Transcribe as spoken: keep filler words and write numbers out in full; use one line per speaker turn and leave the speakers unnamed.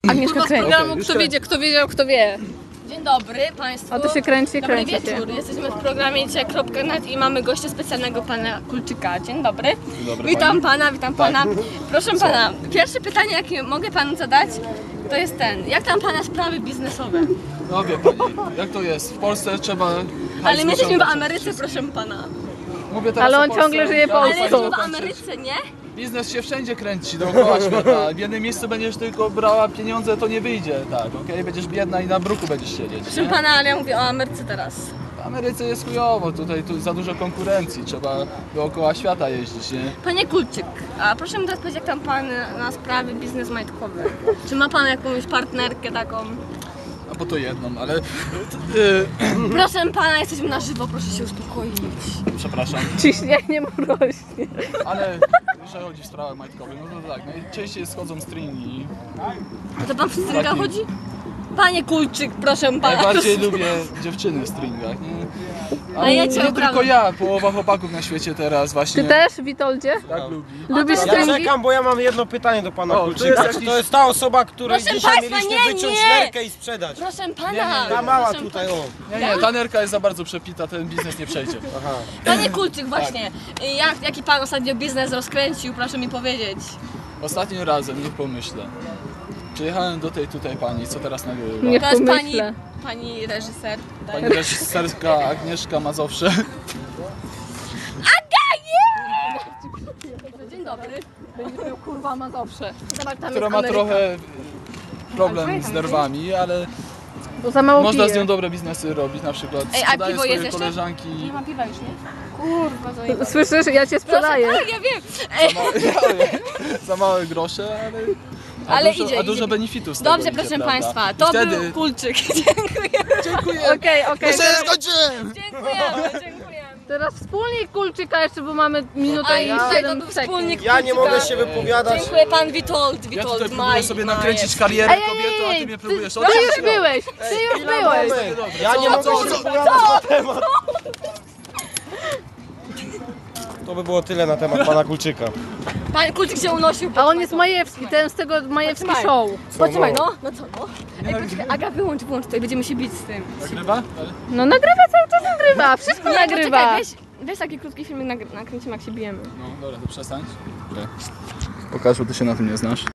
Agnieszka kręci.
programu
Okay,
Kto wiedział, kto wiedział, kto wie. Dzień dobry Państwu.
A to się kręci,
Dobry
kręci
wieczór.
się.
Jesteśmy w programie dzisiaj kropka net i mamy gościa specjalnego, pana Kulczyka. Dzień dobry.
Dzień dobry,
witam
pani.
pana, witam pana. Proszę pana, pierwsze pytanie, jakie mogę panu zadać, to jest ten. Jak tam pana sprawy biznesowe?
No wie pani, jak to jest? W Polsce trzeba...
Ale my jesteśmy w Ameryce, proszę pana.
Mówię teraz
Ale
o
on
Polsce.
ciągle żyje
Ja
Polską.
Ale
muszę
jesteśmy w
dokończyć.
Ameryce, nie?
Biznes się wszędzie kręci dookoła świata. W jednym miejscu będziesz tylko brała pieniądze, to nie wyjdzie, tak, okej? Będziesz biedna i na bruku będziesz siedzieć,
Proszę
nie?
pana, ale ja mówię o Ameryce teraz.
W Ameryce jest chujowo, tutaj tu za dużo konkurencji, trzeba dookoła świata jeździć, nie?
Panie Kulczyk, a proszę mi teraz powiedzieć, jak tam pan na sprawy biznes majtkowe? Czy ma pan jakąś partnerkę taką?
A po to jedną, ale... Yy,
Proszę pana, jesteśmy na żywo, proszę się uspokoić.
przepraszam,
Ciśnienie mu rośnie.
ale jeżeli chodzi w sprawach majtkowych, no to tak, najczęściej schodzą stringi.
A to pan w stringach
Taki-
chodzi? Panie Kulczyk, proszę pana.
Najbardziej lubię dziewczyny w stringach, nie?
Ale ja
nie
cię
tylko
obrażam.
ja, połowa chłopaków na świecie teraz właśnie
Ty też, Witoldzie?
tak lubi.
Lubisz
to-
Ja
stringi?
czekam, bo ja mam jedno pytanie do pana
O, to
Kulczyka.
jest
Czy
jakiś-
to jest ta osoba, której
Proszę
dzisiaj
państwa,
mieliśmy
nie,
wyciąć
nie!
nerkę i sprzedać?
Proszę pana.
Nie, nie,
Ta mała
proszę
tutaj,
pana.
o.
Nie, nie, ta nerka jest za bardzo przepita, ten biznes nie przejdzie.
Aha.
Panie Kulczyk, właśnie, jak, jaki pan ostatnio biznes rozkręcił, proszę mi powiedzieć.
Ostatnim razem, niech pomyślę. Przyjechałem do tej tutaj pani, co teraz nagrywa.
Nie
To jest pani,
pomyślę.
pani reżyser.
Pani reżyserka Agnieszka Mazowsze.
Dzień dobry.
Będziesz miał kurwa ma zawsze.
Zobacz, tam
która
jest
ma
Ameryka.
trochę problem z nerwami, ale
Bo za mało
można z
pije.
nią dobre biznesy robić, na przykład
Ej, a
sprzedaje
piwo
swoje
jest jeszcze?
koleżanki.
Nie ma piwa już, nie? Kurwa, zajebałam.
Słyszysz? Ja cię sprzedaję.
Tak, ja wiem. Ej,
Za małe grosze, ale, a
Ale
dużo,
idzie,
a dużo
idzie.
benefitów z tego
Dobrze,
idzie,
proszę
prawda?
państwa,
I
to
wtedy...
był Kulczyk. Dziękuję.
Dziękuję!
Okej, okej.
Jeszcze nie skończyłem!
Dziękujemy, dziękujemy.
Teraz wspólnik Kulczyka jeszcze, bo mamy minutę
A
i
i tutaj to
siedem
był
sekund.
wspólnik
Ja nie
Kulczyka.
mogę się wypowiadać.
Dziękuję pan Witold,
Ja
Witold
tutaj próbuję
Maj.
sobie
Maj
nakręcić
jest.
karierę
Ej, ej,
kobiety, a ty
ej,
mnie
ty,
próbujesz
ty
odciąć.
już byłeś, ty już byłeś.
Moment.
Dobrze,
Ja nie
co,
mogę
co,
się
co?
wypowiadać na temat. To by było tyle na temat pana Kulczyka.
Pan Kulczyk się unosił.
A on jest Majewski, ten z tego Majewski
Potrzymaj.
Show.
Poczekaj, no, no co, no. Ej, poczekaj, Aga, wyłącz, wyłącz, tutaj będziemy się bić z tym.
Nagrywa? Ale...
No nagrywa, cały czas nagrywa, wszystko
Nie,
nagrywa.
poczekaj, weź, weź taki krótki filmik, nagr- nakręcimy jak się bijemy.
No dobra, to przestań. Pokaż, bo ty się na tym nie znasz.